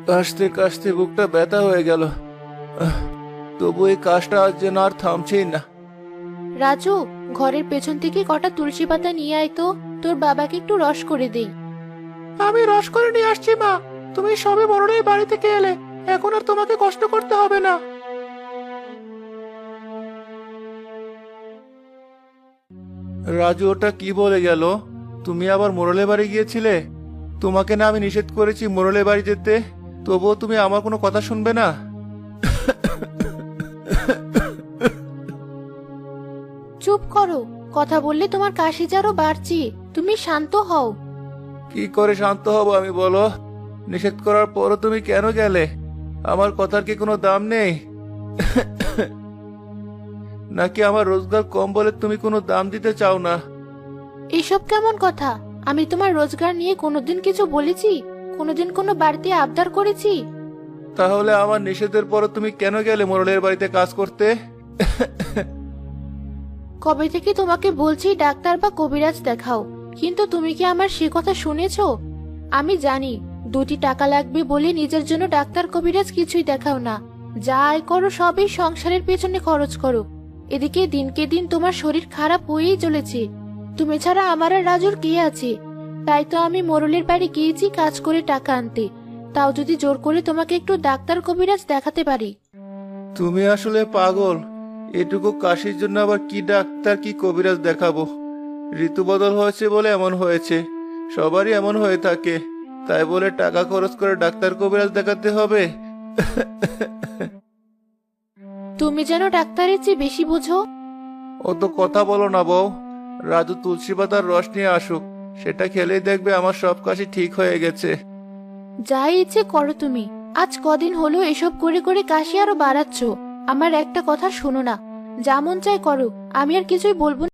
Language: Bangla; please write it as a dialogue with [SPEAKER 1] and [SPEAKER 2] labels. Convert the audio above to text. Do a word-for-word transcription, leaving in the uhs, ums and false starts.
[SPEAKER 1] কাশতে কাশতে বুকটা ব্যথা হয়ে গেল। আহ, তবু এই কাশটা আজ যেন আর থামছেই না।
[SPEAKER 2] রাজু, ঘরের পেছন থেকে কটা তুলসী পাতা নিয়ে আয় তো, তোর বাবাকে একটু রস করে দেই।
[SPEAKER 1] আমি রস করে নিয়ে আসছি মা। তুমি সবে বড়রাই বাড়ি থেকে এলে, এখন আর তোমাকে কষ্ট করতে হবে না। রাজু ওটা কি বলে গেল? তুমি আবার মোড়লের বাড়ি গিয়েছিলে? তোমাকে না আমি নিষেধ করেছি মোড়লের বাড়ি যেতে, তবুও তুমি আমার কোনো কথা শুনবে না।
[SPEAKER 2] চুপ করো, কথা বললে তোমার কাশি আরো বাড়ছে। তুমি শান্ত হও।
[SPEAKER 1] কি করে শান্ত হব আমি বলো? নিষেধ করার পরও তুমি কেন গেলে? আমার কথার কি কোনো দাম নেই? নাকি আমার রোজগার কম বলে তুমি কোনো দাম দিতে চাও না?
[SPEAKER 2] এসব কেমন কথা? আমি তোমার রোজগার নিয়ে কোনোদিন কিছু বলেছি? কোনোদিন কোনো বাড়িতে আবদার করেছি?
[SPEAKER 1] তাহলে আমার নিষেধের পরও তুমি কেন গেলে মোড়লের বাড়িতে কাজ করতে?
[SPEAKER 2] কবে থেকে তোমাকে বলছি ডাক্তার বা কবিরাজ দেখাও, কিন্তু তুমি কি আমার সে কথা শুনেছো? আমি জানি দুটি টাকা লাগবে বলে নিজের জন্য ডাক্তার কবিরাজ কিছুই দেখাও না। যা আয় করো সবই সংসারের পেছনে খরচ করো। এদিকে দিনকে দিন তোমার শরীর খারাপ হয়েই চলেছে। তুমি ছাড়া আমার আর রাজুর কে আছে? তাই তো আমি মোরলের বাড়ি গিয়েছি কাজ করে টাকা আনতে, তাও যদি জোর করে তোমাকে একটু ডাক্তার কবিরাজ দেখাতে পারি।
[SPEAKER 1] তুমি আসলে পাগল। এটুকু কাশির জন্য আবার কি ডাক্তার কি কবিরাজ দেখাবো? ঋতু বদল হয়েছে বলে এমন হয়েছে, সবারই এমন হয়ে থাকে। তাই বলে টাকা খরচ করে ডাক্তার কবিরাজ দেখাতে হবে?
[SPEAKER 2] তুমি যেন ডাক্তারের চেয়ে বেশি বোঝো।
[SPEAKER 1] অত কথা বলো না বউ। রাজু তুলসী পাতার রস নিয়ে আসুক, সেটা খেলেই দেখবে আমার সব কাশি ঠিক হয়ে গেছে।
[SPEAKER 2] যাই ইচ্ছে করো তুমি। আজ কদিন হলো এসব করে করে কাশি আরো বাড়াচ্ছ। আমার একটা কথা শোনো না, যা মন চায় করো, আমি আর কিছুই বলবো না।